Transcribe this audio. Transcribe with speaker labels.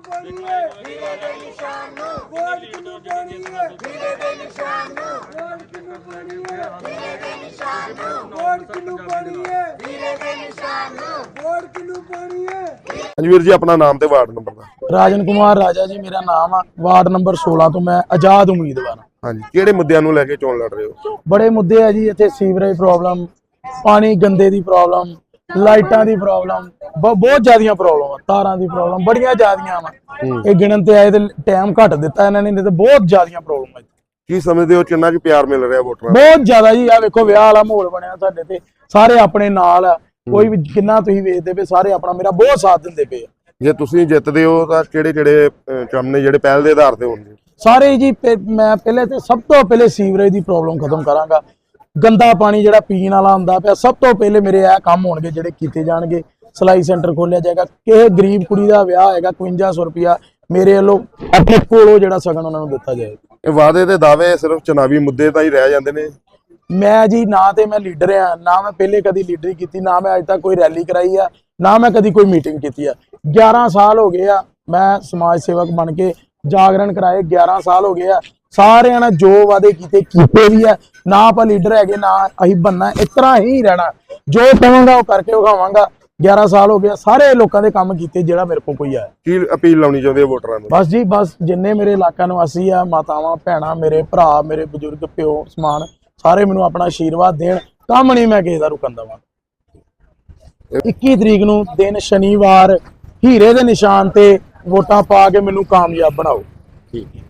Speaker 1: ਪਾਣੀਏ ਵੀਰੇ ਦੇ ਨਿਸ਼ਾਨ ਨੂੰ ਵੋਟ ਕਿਨੂੰ ਪਾਣੀਏ ਵੀਰੇ ਦੇ ਨਿਸ਼ਾਨ ਨੂੰ ਵੋਟ ਕਿਨੂੰ ਪਾਣੀਏ ਵੀਰੇ ਦੇ ਨਿਸ਼ਾਨ ਨੂੰ ਵੋਟ ਕਿਨੂੰ ਪਾਣੀਏ ਵੀਰੇ ਦੇ ਨਿਸ਼ਾਨ ਨੂੰ ਵੋਟ ਕਿਨੂੰ ਪਾਣੀਏ।
Speaker 2: ਹਾਂਜੀ ਵੀਰ ਜੀ, ਆਪਣਾ ਨਾਮ ਤੇ ਵਾਰਡ ਨੰਬਰ ਦਾ।
Speaker 3: ਰਾਜਨ ਕੁਮਾਰ ਰਾਜਾ ਜੀ ਮੇਰਾ ਨਾਮ ਆ, ਵਾਰਡ ਨੰਬਰ 16 ਤੋਂ ਮੈਂ ਆਜ਼ਾਦ ਉਮੀਦਵਾਰ।
Speaker 2: ਹਾਂਜੀ, ਕਿਹੜੇ ਮੁੱਦਿਆਂ ਨੂੰ ਲੈ ਕੇ ਚੋਣ ਲੜ ਰਹੇ ਹੋ?
Speaker 3: ਬੜੇ ਮੁੱਦੇ ਆ ਜੀ ਇੱਥੇ, ਸੀਵਰੇਜ ਪ੍ਰੋਬਲਮ, ਪਾਣੀ ਗੰਦੇ ਦੀ ਪ੍ਰੋਬਲਮ, ਲਾਈਟਾਂ ਦੀ ਪ੍ਰੋਬਲਮ, ਬਹੁਤ ਜ਼ਿਆਦੀਆਂ ਪ੍ਰੋਬਲਮ ਆ, ਤਾਰਾਂ ਦੀ ਪ੍ਰੋਬਲਮ ਬੜੀਆਂ ਜ਼ਿਆਦੀਆਂ ਵਾ। ਇਹ ਗਿਣਨ ਤੇ ਆਏ ਤੇ ਟਾਈਮ ਘੱਟ ਦਿੱਤਾ ਇਹਨਾਂ ਨੇ, ਨਹੀਂ ਤੇ ਬਹੁਤ ਜ਼ਿਆਦੀਆਂ ਪ੍ਰੋਬਲਮ ਆ।
Speaker 2: ਕੀ ਸਮਝਦੇ ਹੋ ਕਿੰਨਾ ਕੁ ਪਿਆਰ ਮਿਲ ਰਿਹਾ ਵੋਟਰਾਂ ਨੂੰ?
Speaker 3: ਬਹੁਤ ਜ਼ਿਆਦਾ ਜੀ। ਆ ਵੇਖੋ ਵਿਆਹ ਵਾਲਾ ਮਾਹੌਲ ਬਣਿਆ ਸਾਡੇ ਤੇ, ਸਾਰੇ ਆਪਣੇ ਨਾਲ ਆ, ਕੋਈ ਵੀ ਕਿੰਨਾ ਤੁਸੀਂ ਵੇਖਦੇ ਪਏ, ਸਾਰੇ ਆਪਣਾ ਮੇਰਾ ਬਹੁਤ ਸਾਥ ਦਿੰਦੇ ਪਏ ਆ।
Speaker 2: ਜੇ ਤੁਸੀਂ ਜਿੱਤਦੇ ਹੋ ਤਾਂ ਕਿਹੜੇ ਕੰਮ ਨੇ ਜਿਹੜੇ ਪਹਿਲ ਦੇ ਆਧਾਰ ਤੇ ਹੋਣਗੇ?
Speaker 3: ਸਾਰੇ ਜੀ ਮੈਂ ਪਹਿਲੇ ਤੇ ਸਭ ਤੋਂ ਪਹਿਲੇ ਸੀਵਰੇਜ ਦੀ ਪ੍ਰੋਬਲਮ ਖਤਮ ਕਰਾਂਗਾ। ਗੰਦਾ ਪਾਣੀ ਜਿਹੜਾ ਪੀਣ ਵਾਲਾ ਹੁੰਦਾ ਪਿਆ, ਸਭ ਤੋਂ ਪਹਿਲੇ ਮੇਰੇ ਇਹ ਕੰਮ ਹੋਣਗੇ ਜਿਹੜੇ ਕੀਤੇ ਜਾਣਗੇ। ਸਿਲਾਈ ਸੈਂਟਰ ਖੋਲਿਆ ਜਾਏਗਾ, ਕਿਸੇ ਗਰੀਬ ਕੁੜੀ ਦਾ ਵਿਆਹ ਹੈਗਾ 5100 ਰੁਪਇਆ ਮੇਰੇ ਵੱਲੋਂ ਆਪਣੇ ਕੋਲੋਂ ਜਿਹੜਾ ਸਗਨ ਉਹਨਾਂ ਨੂੰ ਦਿੱਤਾ ਜਾਏਗਾ।
Speaker 2: ਇਹ ਵਾਅਦੇ ਤੇ ਦਾਅਵੇ ਸਿਰਫ ਚੁਣਾਵੀ ਮੁੱਦੇ ਤਾਂ ਹੀ ਰਹਿ ਜਾਂਦੇ ਨੇ।
Speaker 3: ਮੈਂ ਜੀ ਨਾ ਤੇ ਮੈਂ ਲੀਡਰ ਆ, ਨਾ ਮੈਂ ਪਹਿਲੇ ਕਦੀ ਲੀਡਰੀ ਕੀਤੀ, ਨਾ ਮੈਂ ਅੱਜ ਤੱਕ ਕੋਈ ਰੈਲੀ ਕਰਾਈ ਆ, ਨਾ ਮੈਂ ਕਦੀ ਕੋਈ ਮੀਟਿੰਗ ਕੀਤੀ ਆ। 11 ਸਾਲ ਹੋ ਗਏ ਆ ਮੈਂ ਸਮਾਜ ਸੇਵਕ ਬਣ ਕੇ ਜਾਗਰਣ ਕਰਾਏ, 11 ਸਾਲ ਹੋ ਗਏ ਆ। ਸਾਰਿਆਂ ਨੇ ਜੋ ਵਾਅਦੇ ਕੀਤੇ ਵੀ ਆ। ਨਾ ਆਪਾਂ ਲੀਡਰ ਹੈਗੇ, ਨਾ ਅਸੀਂ ਬੰਨਾ, ਇਸ ਤਰ੍ਹਾਂ ਹੀ ਰਹਿਣਾ, ਜੋ ਕਹਾਂਗਾ ਉਹ ਕਰਕੇ ਵਿਖਾਵਾਂਗਾ। 11 ਸਾਲ ਹੋ ਗਿਆ, ਸਾਰੇ ਲੋਕਾਂ ਦੇ ਕੰਮ ਕੀਤੇ ਜਿਹੜਾ ਮੇਰੇ ਕੋਲ ਕੋਈ ਆ।
Speaker 2: ਕੀ ਅਪੀਲ ਲਾਉਣੀ ਚਾਹੁੰਦੇ ਹੋ ਵੋਟਰਾਂ ਨੂੰ?
Speaker 3: ਬਸ ਜੀ ਬਸ, ਜਿੰਨੇ ਮੇਰੇ ਇਲਾਕਾ ਨਿਵਾਸੀ ਆ, ਮਾਤਾਵਾਂ ਭੈਣਾਂ, ਮੇਰੇ ਭਰਾ, ਮੇਰੇ ਬਜ਼ੁਰਗ, ਪਿਓ ਸਮਾਨ, ਸਾਰੇ ਮੈਨੂੰ ਆਪਣਾ ਆਸ਼ੀਰਵਾਦ ਦੇਣ। ਕੰਮ ਨਹੀਂ ਮੈਂ ਕਿਸੇ ਦਾ ਰੁਕਣ ਦੇਵਾਂ। 21 ਤਰੀਕ ਨੂੰ ਦਿਨ ਸ਼ਨੀਵਾਰ ਹੀਰੇ ਦੇ ਨਿਸ਼ਾਨ ਤੇ ਵੋਟਾਂ ਪਾ ਕੇ ਮੈਨੂੰ ਕਾਮਯਾਬ ਬਣਾਓ।
Speaker 2: ਠੀਕ।